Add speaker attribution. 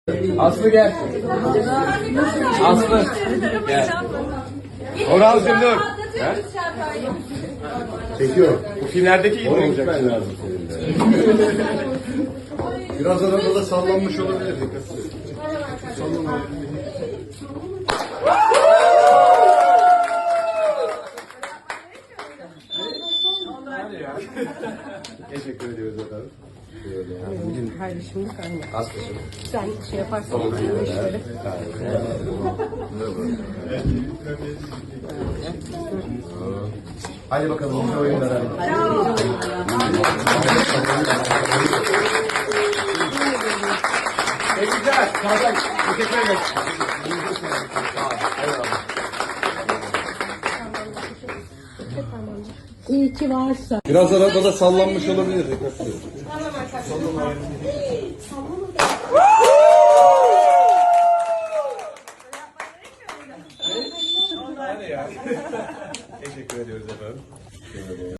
Speaker 1: Aslı gel. Aslı gel. Orhan'cığım dur. Gel.
Speaker 2: Çekiyor.
Speaker 1: Bu filmlerdeki gibi olacak.
Speaker 2: Lazım senin de. Biraz arada da sallanmış olabilir. Dikkat edin.
Speaker 1: Teşekkür ediyoruz efendim.
Speaker 3: Kardeşimlik aynı.
Speaker 1: Aslı'cığım.
Speaker 3: Sen şey yaparsan bu işleri.
Speaker 2: Hadi bakalım iyi oyunlar.
Speaker 1: Teşekkürler. Sağ teşekkür ederiz.
Speaker 3: İyi ki varsa.
Speaker 2: Biraz arada da sallanmış olabilir. Dikkat edin.
Speaker 1: Teşekkür ediyoruz efendim.